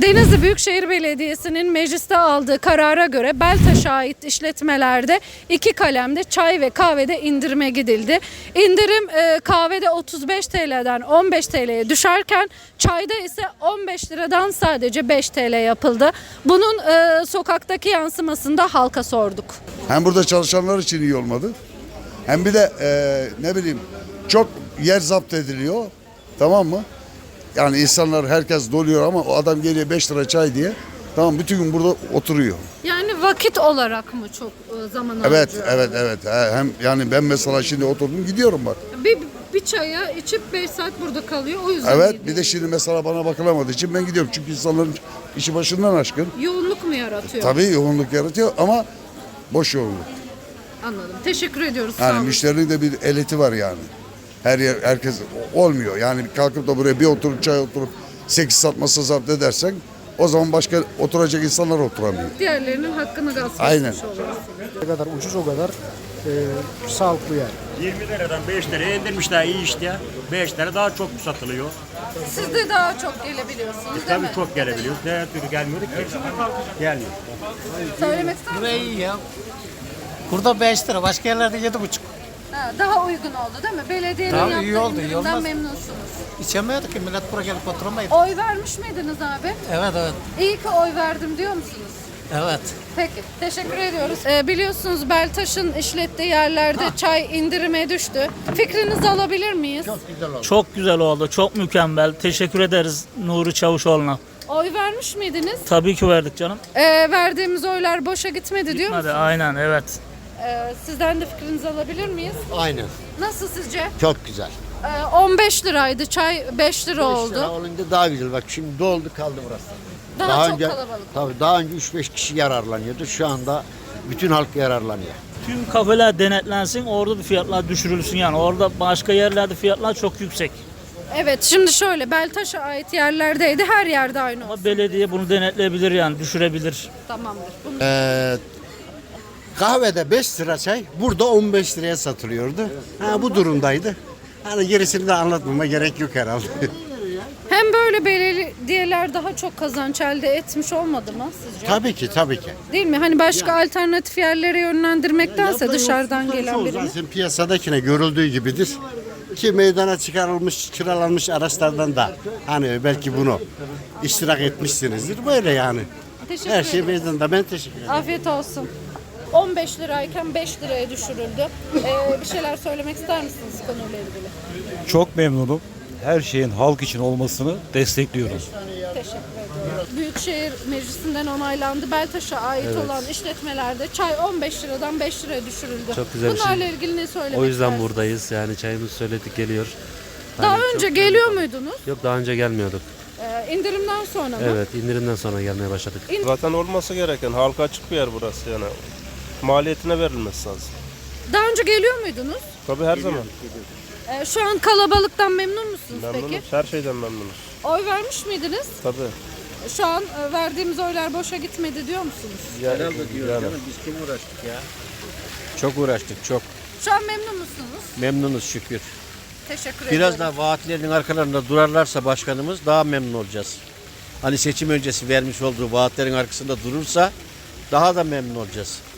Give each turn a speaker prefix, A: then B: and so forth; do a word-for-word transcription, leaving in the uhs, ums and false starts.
A: Denizli Büyükşehir Belediyesi'nin mecliste aldığı karara göre Beltaş'a ait işletmelerde iki kalemde çay ve kahvede indirime gidildi. İndirim e, kahvede otuz beş T L'den on beş T L'ye düşerken çayda ise on beş liradan sadece beş T L yapıldı. Bunun e, sokaktaki yansımasını da halka sorduk.
B: Hem burada çalışanlar için iyi olmadı. Hem bir de e, ne bileyim çok yer zapt ediliyor. Tamam mı? Yani insanlar herkes doluyor ama o adam geliyor beş lira çay diye. Tamam bütün gün burada oturuyor.
A: Yani vakit olarak mı çok e, zaman
B: Evet,
A: harcıyor?
B: evet, evet. Hem yani ben mesela şimdi oturdum gidiyorum bak.
A: Bir, bir çaya içip beş saat burada kalıyor o yüzden.
B: Evet,
A: iyi
B: bir de
A: değil.
B: şimdi mesela bana bakılamadığı için ben gidiyorum. Çünkü insanların işi başından aşkın.
A: Yoğunluk mu yaratıyor?
B: Tabii yoğunluk yaratıyor ama boş yoğunluk.
A: Anladım. Teşekkür ediyoruz. Sağ
B: Yani
A: olun.
B: müşterinin de bir eliti var yani. Her yer herkes olmuyor. Yani kalkıp da buraya bir oturup çay oturup sekiz saat masa zapt edersen o zaman başka oturacak insanlar oturamıyor.
A: Diğerlerinin hakkını gasp
B: Aynen.
A: etmiş oluyorsun.
C: Ne kadar ucuz o kadar e, sağlıklı yani.
D: yirmi liradan beş liraya indirmişler iyi işte ya. beş lira daha çok satılıyor.
A: Siz de daha çok gelebiliyorsunuz değil
D: Tabii
A: mi?
D: çok gelebiliyoruz. Diğer türlü gelmiyorduk ki. Gelmiyor.
A: Söylemek ister misiniz?
E: Buraya iyi ya. Burada beş lira, başka yerlerde yedi buçuk.
A: Ha, daha uygun oldu değil mi? Belediyenin
E: Daha
A: yaptığı
E: iyi oldu, iyi
A: indirimden
E: olmaz.
A: memnunsunuz.
E: İçemiyorduk ki millet buraya gelip oturamaydı.
A: Oy vermiş miydiniz abi?
E: Evet evet.
A: İyi ki oy verdim diyor musunuz?
E: Evet.
A: Peki, teşekkür ediyoruz. Ee, biliyorsunuz Beltaş'ın işlettiği yerlerde çay indirime düştü. Fikrinizi alabilir miyiz?
F: Çok güzel oldu. Çok mükemmel. Teşekkür ederiz Nuri Çavuşoğlu'na.
A: Oy vermiş miydiniz?
F: Tabii ki verdik canım.
A: Ee, verdiğimiz oylar boşa gitmedi diyor
F: Hadi
A: musunuz?
F: aynen evet.
A: Ee, sizden de fikrinizi alabilir miyiz?
G: Aynen.
A: Nasıl sizce?
G: Çok güzel.
A: Ee, on beş liraydı, çay beş lira oldu.
G: beş lira olunca daha güzel. Bak şimdi doldu kaldı burası.
A: Daha, çok
G: önce,
A: kalabalık.
G: Tabii daha önce üç beş kişi yararlanıyordu. Şu anda bütün halk yararlanıyor.
F: Tüm kafeler denetlensin, orada da fiyatlar düşürülsün yani. Orada başka yerlerde fiyatlar çok yüksek.
A: Evet, şimdi şöyle Beltaş'a ait yerlerdeydi, her yerde aynı olsun.
F: Ama belediye bunu denetleyebilir yani, düşürebilir.
A: Tamamdır. Bunu...
G: Ee, kahvede beş lira çay burada on beş liraya satılıyordu. Ha, bu durumdaydı. Hani gerisini de anlatmama gerek yok herhalde.
A: Hem böyle belediyeler daha çok kazanç elde etmiş olmadı mı sizce?
G: Tabii ki tabii ki.
A: Değil mi? Hani başka alternatif yerlere yönlendirmektense
G: Ya da
A: dışarıdan
G: yoksullar
A: gelen
G: çoğu
A: birini.
G: zaten piyasadakine görüldüğü gibidir. Ki meydana çıkarılmış, kiralanmış araçlardan da hani belki bunu iştirak etmişsinizdir. Böyle yani.
A: Teşekkür
G: Her şey
A: ederim.
G: meydanda. Ben teşekkür ederim.
A: Afiyet olsun. on beş lirayken beş liraya düşürüldü. Ee, bir şeyler söylemek ister misiniz konuyla ilgili?
H: Çok memnunum. Her şeyin halk için olmasını destekliyorum.
A: Teşekkür ediyorum. Büyükşehir Meclisi'nden onaylandı. Beltaş'a ait olan işletmelerde çay on beş liradan beş liraya düşürüldü.
I: Çok güzel bir şey.
A: Bunlarla ilgili ne söylemek
I: O yüzden
A: istersiniz?
I: buradayız. Yani çayımızı söyledik geliyor.
A: Daha
I: Hani
A: önce
I: çok-
A: geliyor muydunuz?
I: Yok daha önce gelmiyorduk.
A: Ee, indirimden sonra mı?
I: Evet indirimden sonra gelmeye başladık.
J: Zaten olması gereken halka açık bir yer burası yani. Maliyetine verilmesi lazım.
A: Daha önce geliyor muydunuz?
J: Tabii her zaman.
A: Ee, şu an kalabalıktan memnun musunuz
J: Memnunuz.
A: peki?
J: Her şeyden memnunuz.
A: Oy vermiş miydiniz?
J: Tabii.
A: Şu an e, verdiğimiz oylar boşa gitmedi diyor musunuz?
J: Yani, yani.
C: Çok uğraştık çok.
A: Şu an memnun musunuz?
C: Memnunuz şükür.
A: Teşekkür
C: Biraz
A: ediyorum.
C: daha vaatlerinin arkalarında durarlarsa başkanımız daha memnun olacağız. Hani seçim öncesi vermiş olduğu vaatlerin arkasında durursa daha da memnun olacağız.